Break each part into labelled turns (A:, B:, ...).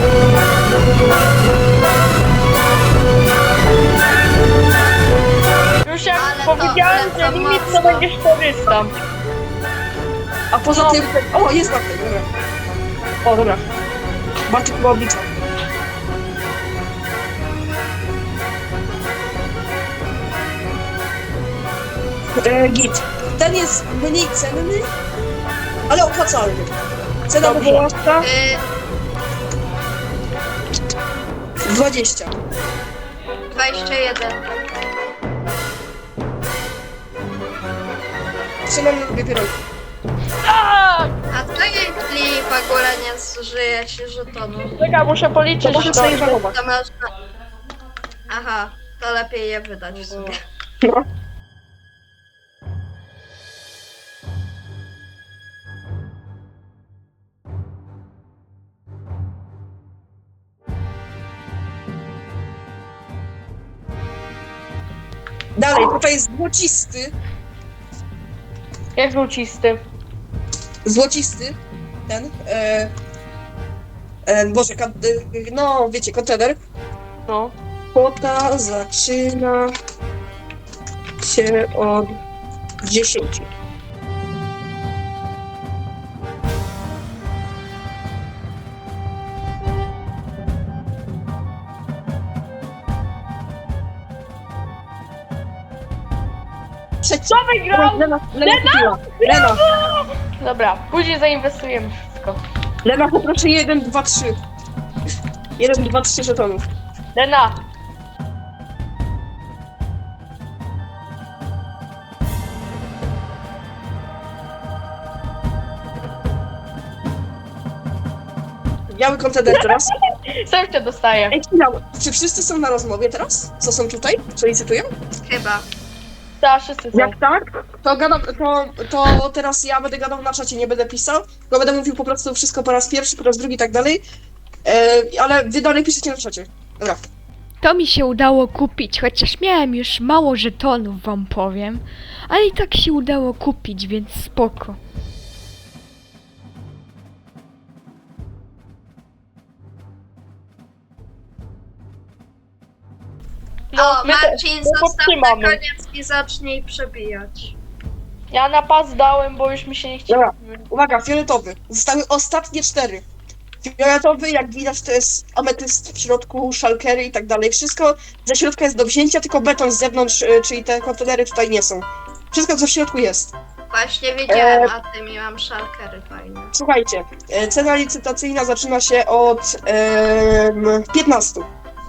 A: Już jak
B: Ale to
A: powiedziałem, że
B: lecą
A: limit to
B: mocno.
A: będzie 400.
C: A poza tym... O, jest Bartek, dobra. O, dobra. Bartek chyba oblicza. Git. Ten jest mniej cenny, ale opłacalny. Cena
A: Dobrze.
C: wywoławcza
B: Y,
C: 20.
B: 21.
C: Przynajmniej lubię pierogi.
A: Aaaa!
B: A co jeśli w ogóle nie zużyje się żetonu?
A: Czekaj, muszę
C: To
A: policzyć.
C: możesz sobie żałować.
B: To można... Aha, to lepiej je wydać w sumie.
C: No. Dalej, tutaj jest złocisty.
A: Jak złocisty.
C: Złocisty. Ten. Boże, no wiecie, kontener.
A: No.
C: Kwota zaczyna się od 10.
A: Co wygrał?
C: Lena kupiła. Lena,
A: Dobra, później zainwestujemy wszystko.
C: Lena, poproszę 1, 2, 3. 1, 2, 3 żetonów.
A: Lena,
C: Biały kontener teraz.
A: sam cię dostaję.
C: Ej, chwila, czy wszyscy są na rozmowie teraz? Co są tutaj? Co licytują?
B: Chyba.
A: Tak, wszyscy są.
C: Jak tak, to gadam, to teraz ja będę gadał na czacie, nie będę pisał, bo będę mówił po prostu wszystko po raz pierwszy, po raz drugi i tak dalej. Ale wy dalej piszecie na czacie. Dobra.
D: To mi się udało kupić, chociaż miałem już mało żetonów, wam powiem. Ale i tak się udało kupić, więc spoko.
B: O,
A: my
B: Marcin,
A: my
B: zostaw na
A: podtrzymamy.
B: koniec i zacznij przebijać.
A: Ja na pas dałem, bo już mi się nie chciało.
C: Dobra. Uwaga, fioletowy. Zostały ostatnie 4. Fioletowy, jak widać, to jest ametyst w środku, szalkery i tak dalej. Wszystko ze środka jest do wzięcia, tylko beton z zewnątrz, czyli te kontenery tutaj nie są. Wszystko, co w środku jest.
B: Właśnie wiedziałem o tym i mam szalkery fajne.
C: Słuchajcie, cena licytacyjna zaczyna się od 15.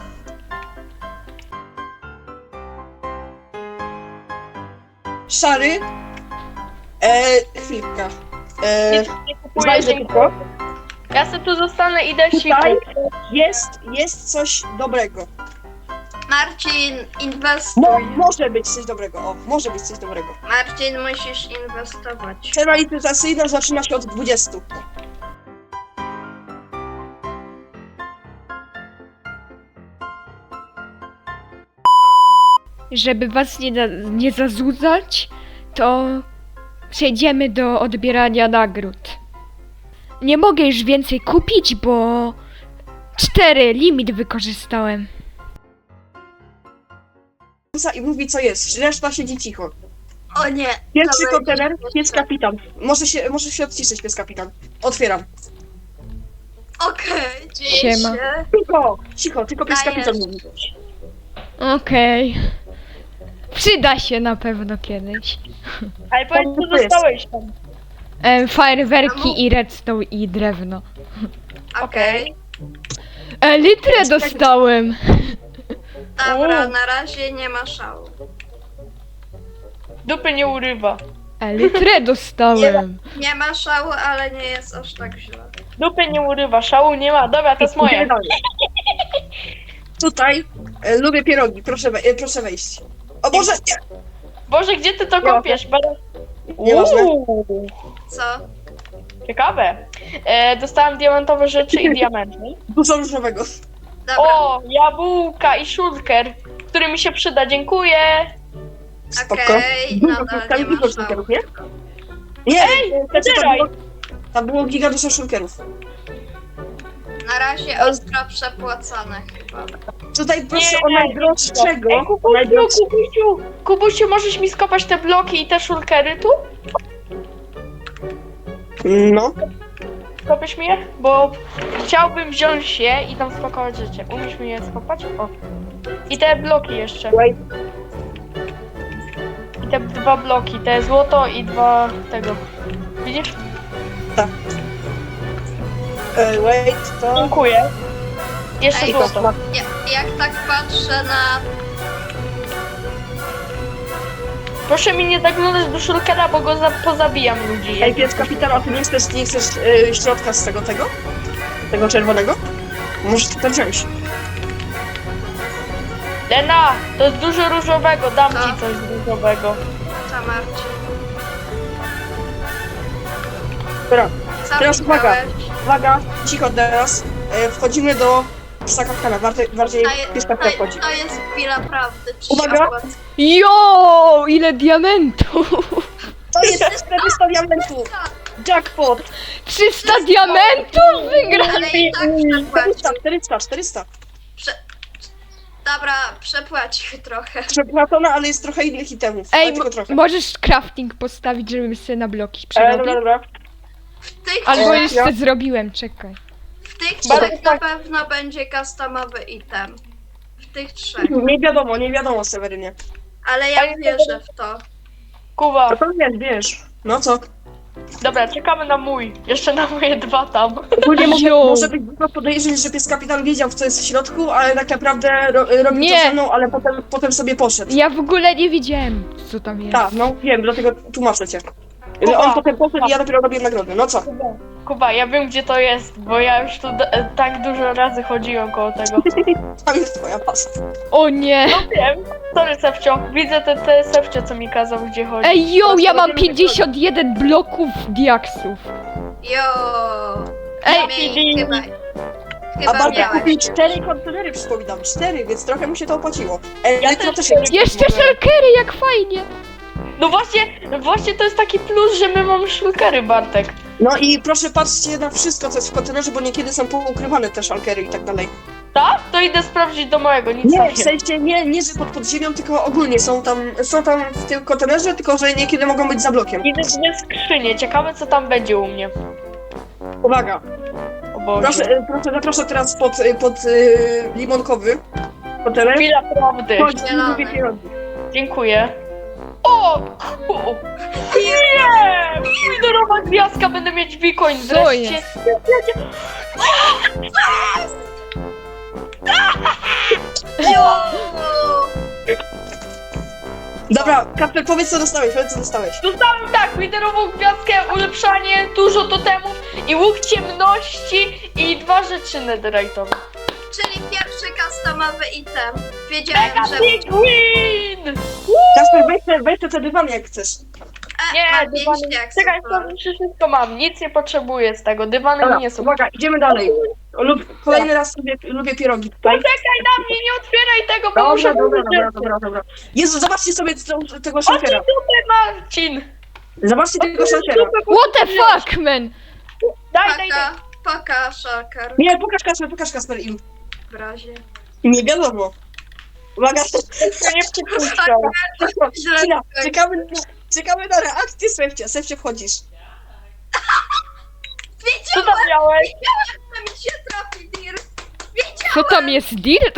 C: Szary. Chwilka.
A: Nie kupuję,
C: Znajdę
A: dziękuję.
C: tylko.
A: Ja sobie tu zostanę, idę
C: Tutaj
A: sikać.
C: jest coś dobrego.
B: Marcin, inwestuj.
C: Może być coś dobrego, o, może być coś dobrego.
B: Marcin, musisz inwestować.
C: Cena licytacyjna zaczyna się od 20.
D: Żeby was nie zazudzać, to przejdziemy do odbierania nagród. Nie mogę już więcej kupić, bo 4 limit wykorzystałem.
C: I mówi, co jest, reszta siedzi cicho.
B: O nie.
C: Pierwszy
B: to
C: kontener,
B: będzie
C: pies
B: śmieszne.
C: kapitan. Może się odciszyć, pies kapitan. Otwieram.
B: Okej, dzieje
D: Siema.
B: się.
C: Cicho, tylko pies
B: Dajesz.
C: kapitan mówi.
D: Okej. Przyda się na pewno kiedyś.
A: Ale powiedz, co
C: To jest.
A: dostałeś tam.
D: Fajerwerki i redstone i drewno.
B: Okej.
D: Litrę dostałem.
B: Dobra, na razie nie ma szału.
A: Dupy nie urywa.
D: Litrę dostałem.
B: Nie ma szału, ale nie jest aż tak źle.
A: Dupy nie urywa, szału nie ma. Dobra, to jest moje.
C: Tutaj lubię pierogi, proszę wejść. O Boże, nie!
A: Boże, gdzie ty to
C: Nie
A: kopiesz?
C: Nieważne.
A: Uuu,
B: Co?
A: ciekawe. Dostałem diamentowe rzeczy i diamenty.
C: Dużo różowego.
B: Dobra,
A: O, jabłka i shulker, który mi się przyda, dziękuję.
C: Spoko.
B: okej,
C: Dużo,
B: nadal
C: tam
B: nie
C: dużo
B: ma szału.
C: szulkerów, nie? Nie, tam
A: zabieraj.
C: było giga dużo szulkerów.
B: Na razie ostro przepłacane chyba.
C: Tutaj proszę
A: Nie,
C: o najdroższego.
A: Ej, Kubusiu, możesz mi skopać te bloki i te szulkery tu?
C: No.
A: Skopiesz mi je? Bo chciałbym wziąć je i tam spakować rzeczy. Umiesz mi je skopać? O. I te bloki jeszcze.
C: Wait.
A: I te 2 bloki, te złoto i 2 tego. Widzisz?
C: Wait, to...
A: Dziękuję. Jeszcze
B: Ej,
A: złoto.
B: Jak tak patrzę na...
A: Proszę mi nie zaglądać do szulkera, bo go pozabijam ludzi.
C: Ej, pies kapitan, a ty nie chcesz środka z tego? Tego czerwonego? Możesz to wziąć.
A: Lena, to jest dużo różowego, dam
B: Co?
A: ci coś różowego.
B: Co, Marcin?
C: Dobra,
B: Co
C: Teraz uwaga.
B: widziałeś?
C: uwaga, cicho teraz. Wchodzimy do psa kapitana, bardziej pies kapitan wchodzi.
B: To jest chwila prawdy. Czy
C: Uwaga.
B: się opłaca?
D: Jo, ile diamentów!
C: To jest 400 diamentów! Jackpot!
D: 300 diamentów wygrałem!
B: Ale i tak przepłacił.
C: 400.
B: Dobra, przepłacił trochę.
C: Przepłacona, ale jest trochę innych itemów. ale
D: Ej,
C: tylko trochę.
D: możesz crafting postawić, żebym sobie na bloki
C: Dobra,
D: przerobił?
C: dobra.
B: W tych,
D: Albo
C: ja-
D: jeszcze zrobiłem, czekaj.
B: w tych
A: Bardzo
B: trzech na pewno będzie customowy item. W tych trzech.
C: Nie wiadomo, Sewerynie.
B: Ale ja wierzę w to.
A: Kuba,
C: To wiesz. No co?
A: dobra, czekamy na mój. Jeszcze na moje 2 tam.
C: Ogólnie
D: Jo.
C: może być dużo podejrzeń, że pies kapitan wiedział, co jest w środku, ale tak naprawdę robił
D: Nie.
C: to ze mną, ale potem sobie poszedł.
D: Ja w ogóle nie widziałem, co tam jest.
C: Tak, no wiem, dlatego tłumaczę cię. Że
A: Kuba.
C: on potem poszedł i ja dopiero robię nagrodę. No co?
A: Kuba, ja wiem gdzie to jest, bo ja już tu tak dużo razy chodziłem koło tego.
C: Tam jest twoja pasa.
D: O nie!
A: No wiem. Sorry, Sefcio. Widzę te Sefcio, co mi kazał, gdzie chodzi.
D: Ej, jo, ja mam
C: Zobaczymy,
D: 51 bloków diaksów.
B: Jo.
D: Ej,
B: Chyba
C: A Bartek
B: miałeś.
C: kupił 4 kontenery, przypominam. 4, więc trochę mu się to opłaciło. Elektro też jest.
D: Jeszcze shulkery, jak fajnie!
A: No właśnie to jest taki plus, że my mamy szulkery, Bartek.
C: No i proszę patrzcie na wszystko, co jest w kontenerze, bo niekiedy są poukrywane te szalkery i tak dalej.
A: Tak? To idę sprawdzić do mojego, nic
C: Nie,
A: takiego.
C: w sensie nie, że pod ziemią, tylko ogólnie są tam w tym kontenerze, tylko że niekiedy mogą być za blokiem.
A: Idę w skrzynię, ciekawe co tam będzie u mnie.
C: Uwaga,
A: O Boże.
C: zaproszę teraz pod limonkowy kontener.
A: Chwila prawdy.
C: Chodź,
B: Zielony.
C: lubię pierogi.
A: Dziękuję. O! Nie! Minorowa gwiazdka, będę mieć bitcoin
D: Co
A: wreszcie.
D: jest?
B: Jo.
C: Dobra, Kasper, powiedz co dostałeś.
A: Dostałem tak, liderową gwiazdkę, ulepszanie, dużo totemów i łuk ciemności i 2 rzeczy netherite'owe.
B: Czyli pierwszy customowy item. Wiedziałem, że...
A: Big win!
C: Kasper, weź te dywany jak chcesz.
A: Nie,
B: mam 5
A: dywany.
B: diaksów.
A: Czekaj, to już wszystko mam, nic nie potrzebuję z tego, dywany
C: Dobra,
A: nie są.
C: uwaga, idziemy dalej. Kolejny raz lubię pierogi tutaj.
A: Poczekaj na mnie, nie otwieraj tego, bo muszę
C: Dobra. Jezu, zobaczcie sobie tego
A: Chodź
C: szalkera.
A: tutaj, Marcin!
C: Zobaczcie tego szalkera.
D: What the fuck, man?
A: Daj.
B: Paka, szakar.
C: Nie, pokaż Kasper im.
B: W razie.
C: Nie wiadomo. Uwaga,
A: Nie przypuszczam.
C: chwila, czekamy na reakcję Sefcie wchodzisz.
A: Co tam miałeś?
B: To mi się trafi, Dir.
D: Co tam jest dirt?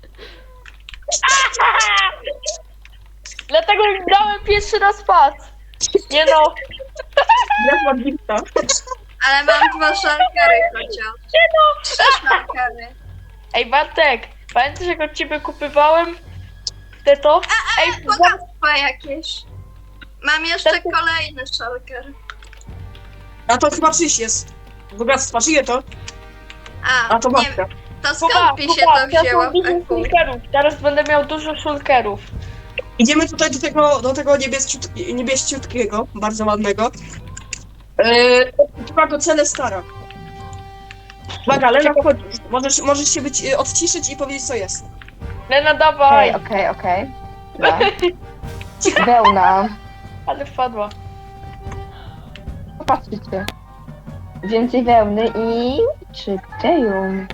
A: Dlatego im dałem pierwszy raz pas. Nie no.
C: Ja mam gifta.
B: Ale mam 2 szalkary chociaż. 3 szalkary.
A: Ej Bartek, pamiętasz jak od ciebie kupywałem to? Ej,
B: Bogactwa jakieś. Mam jeszcze kolejny szalker.
C: A to chyba czyś jest. Bogactwa, czyje to? A to
B: nie,
C: babka.
B: to skąd mi się to wzięło w
A: dużo
B: eku?
A: szulkerów. Teraz będę miał dużo szulkerów.
C: Idziemy tutaj do tego niebieściutkiego, bardzo ładnego. Chyba do Celestara. Uwaga, Lena, wchodzisz. Możesz się odciszyć i powiedzieć co jest.
A: Lena, dawaj.
E: Okej. Dobra. Wełna.
A: Ale wpadła.
E: Popatrzcie. Więcej wełny i Czy Deju?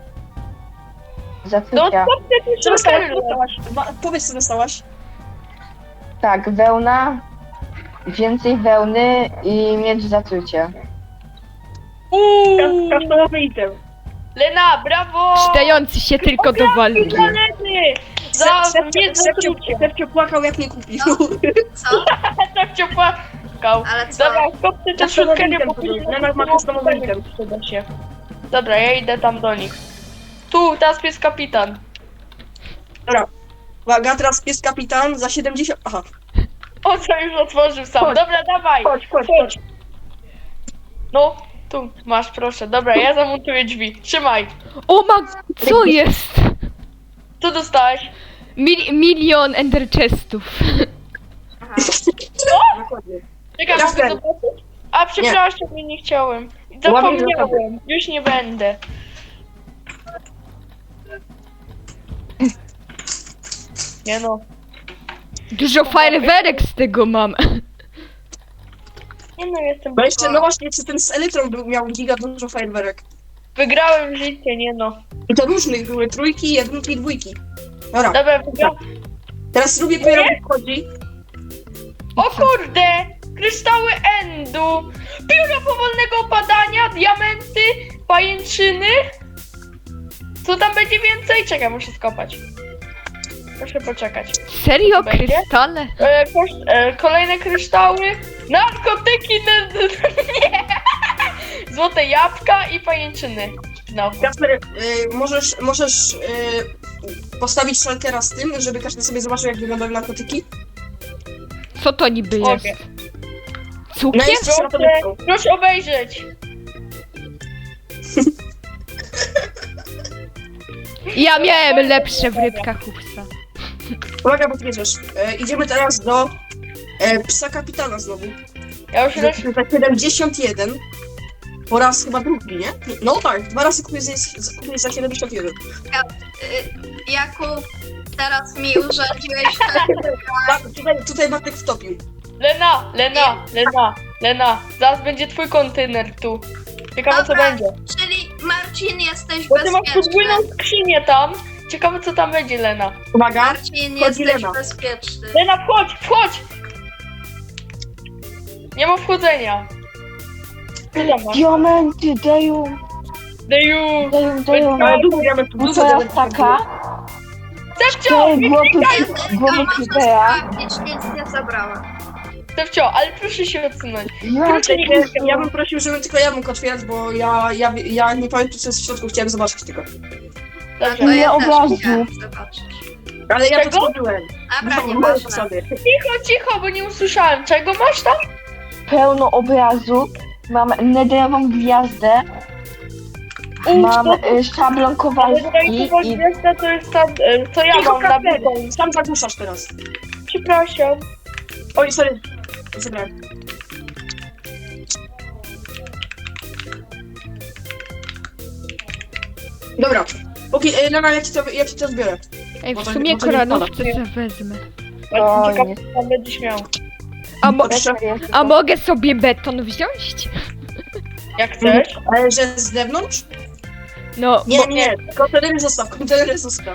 A: No
E: Zatrucia.
A: co ty
C: Co dostałaś?
A: tu
C: Co dostałaś? Powiedz, co dostałaś.
E: Tak, wełna, więcej wełny i miecz zatrucia.
C: Kasztanowy item.
A: Lena, brawo!
D: Przydający się tylko do walki.
A: Dla Leny! Za nie zatrucie.
C: Stefcio płakał, jak nie kupił.
B: Co?
A: Tak cię płakał.
B: Ale co?
A: Dobra, kopcie tę
C: Kasztanowy
A: szutkę, nie
C: item
A: popójdzie
C: to był. Lena ma kasztanowy item.
A: Przyda się. Dobra, ja idę tam do nich. Tu, teraz jest kapitan.
C: Dobra. Uwaga, teraz pies kapitan za 70... Aha.
A: O, co już otworzył sam.
C: Chodź.
A: Dobra, dawaj.
C: Chodź.
A: No, tu, masz, proszę. Dobra, ja zamontuję drzwi. Trzymaj.
D: O co jest?
A: Co dostałeś?
D: Milion ender chestów.
B: Aha.
C: Dokładnie.
A: Czekaj,
C: Jasne.
A: mogę zobaczyć? A, przepraszam, nie chciałem. Zapomniałem. Już nie będę. Nie no.
D: Dużo fajerwerek z tego mam.
A: Nie no, jestem...
C: Bo jeszcze, no właśnie, czy ten z Elytrą miał giga dużo fajerwerek.
A: Wygrałem życie, nie no.
C: I to różnych były, trójki, jedynki, dwójki. Dobra,
A: Dobra, wygrałem.
C: teraz lubię pojawić wchodzi.
A: O kurde! Kryształy endu! Pióro powolnego opadania, diamenty, pajęczyny. Co tam będzie więcej? Czekaj, muszę skopać. Proszę poczekać.
D: Serio?
A: Będzie?
D: Krystale?
A: Kolejne kryształy. Narkotyki, nie! Złote jabłka i pajęczyny. No.
C: Kasper, możesz postawić szalkera z tym, żeby każdy sobie zobaczył, jak wyglądają narkotyki?
D: Co to niby jest?
A: Mogę.
D: Cukier?
C: No jest coś na to
A: Proszę,
C: blisko.
A: proszę obejrzeć.
D: Ja miałem lepsze w rybkach Huksa.
C: Uwaga, bo bierzesz. Idziemy teraz do psa kapitana znowu.
A: Ja już
C: Za 71. Po raz chyba drugi, nie? No tak, 2 razy kupię za 71.
B: Jakub, teraz mi urządziłeś
C: Tak, tutaj Bartek wtopił.
A: Lena, zaraz będzie twój kontener tu. Ciekawe co
B: Dobra.
A: będzie.
B: Czyli Marcin, jesteś
A: Bo ty masz
B: bezpieczny.
A: podwójną skrzynię tam. Ciekawe co tam będzie, Lena.
C: Uwaga.
B: Marcin,
C: Wchodzi
B: jesteś
C: Lena.
B: bezpieczny.
A: Lena, wchodź! Nie ma wchodzenia. Co tam masz?
E: Diamenty, Deju,
A: Deju!
E: Deju.
C: Ale dużo diamentów,
E: No
C: dużo
E: to
C: diamentów.
E: jest taka.
A: Stefcio!
E: Głowy
B: Możesz
E: Creepera.
B: sprawdzić, nic nie zabrała.
A: Stefcio, ale proszę się odsunąć.
C: Ja bym prosił, żebym tylko ja mógł otwierać, bo ja nie pamiętam, co jest w środku, chciałem zobaczyć tylko.
B: No
A: Dobrze.
B: to
E: Ile
B: ja też
E: obrazu?
B: chciałam zobaczyć.
C: Ale ja
A: Czego?
C: to zrobiłem.
B: Dobra,
C: Moje
B: nieważne.
C: zasady.
A: Cicho, bo nie usłyszałem. Czego masz tam?
E: Pełno obrazu. Mam netherową gwiazdę. Mam szablon
A: Ale
E: kowalski i
A: gwiazda to jest ta, co ja
C: Cicho,
A: mam na
C: Kasper,
A: bidon.
C: sam zagłuszasz teraz.
A: Przepraszam.
C: Oj, sorry. Zabrałem. Dobra. Lena, ja ci to zbiorę.
D: Ej, w
C: Może-
D: sumie
C: może nie
D: koronówce wezmę.
E: O,
A: Ciekawe
E: nie.
A: co tam będziesz miał.
D: A mogę sobie beton wziąć?
A: Jak chcesz.
C: Ale że z zewnątrz?
D: No,
C: Nie, kontenery zostaw.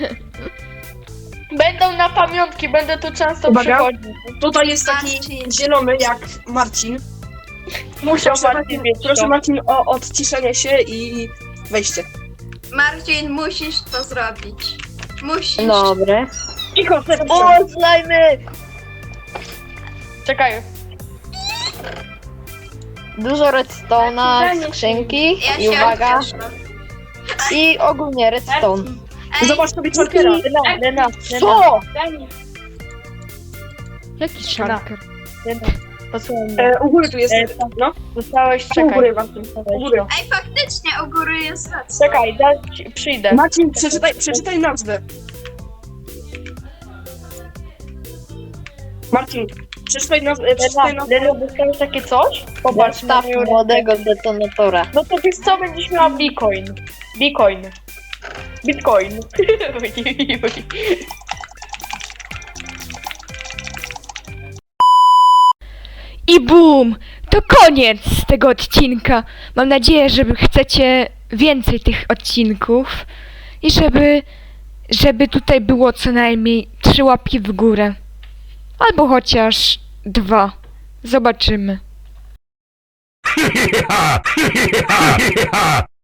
A: Będą na pamiątki, będę tu często
C: Uwaga.
A: przychodzić.
C: Tutaj jest taki
B: Marcin.
C: zielony jak Marcin.
A: Muszę
C: Proszę Marcin o odciszenie się i wejście.
B: Marcin, musisz to zrobić. Musisz.
E: Dobre.
C: Cicho,
A: O, slajmy! Czekaj.
E: Dużo redstone'a, skrzynki
B: Ja
E: i
B: się
E: uwaga.
B: cieszę.
E: I ogólnie redstone.
B: Ej,
C: Zobacz sobie Chalkera.
A: Lena.
E: Co?
D: jaki szalker?
A: Lena, posłuchaj mnie.
C: U góry tu jest. No,
A: Dostałeś,
C: u
A: czekaj.
C: góry Marcin. U góry.
B: ej, faktycznie, u góry jest redstone.
A: Czekaj, przyjdę.
C: Marcin, przeczytaj nazwę. Marcin, przeczytaj nazwę.
A: Lena, dostałeś takie coś? Popatrz na moją
E: młodego detonatora.
A: No to wiesz co, będziesz miała Bitcoin. Bitcoin.
D: I bum! To koniec tego odcinka. Mam nadzieję, że chcecie więcej tych odcinków i żeby tutaj było co najmniej 3 łapki w górę. Albo chociaż 2. Zobaczymy.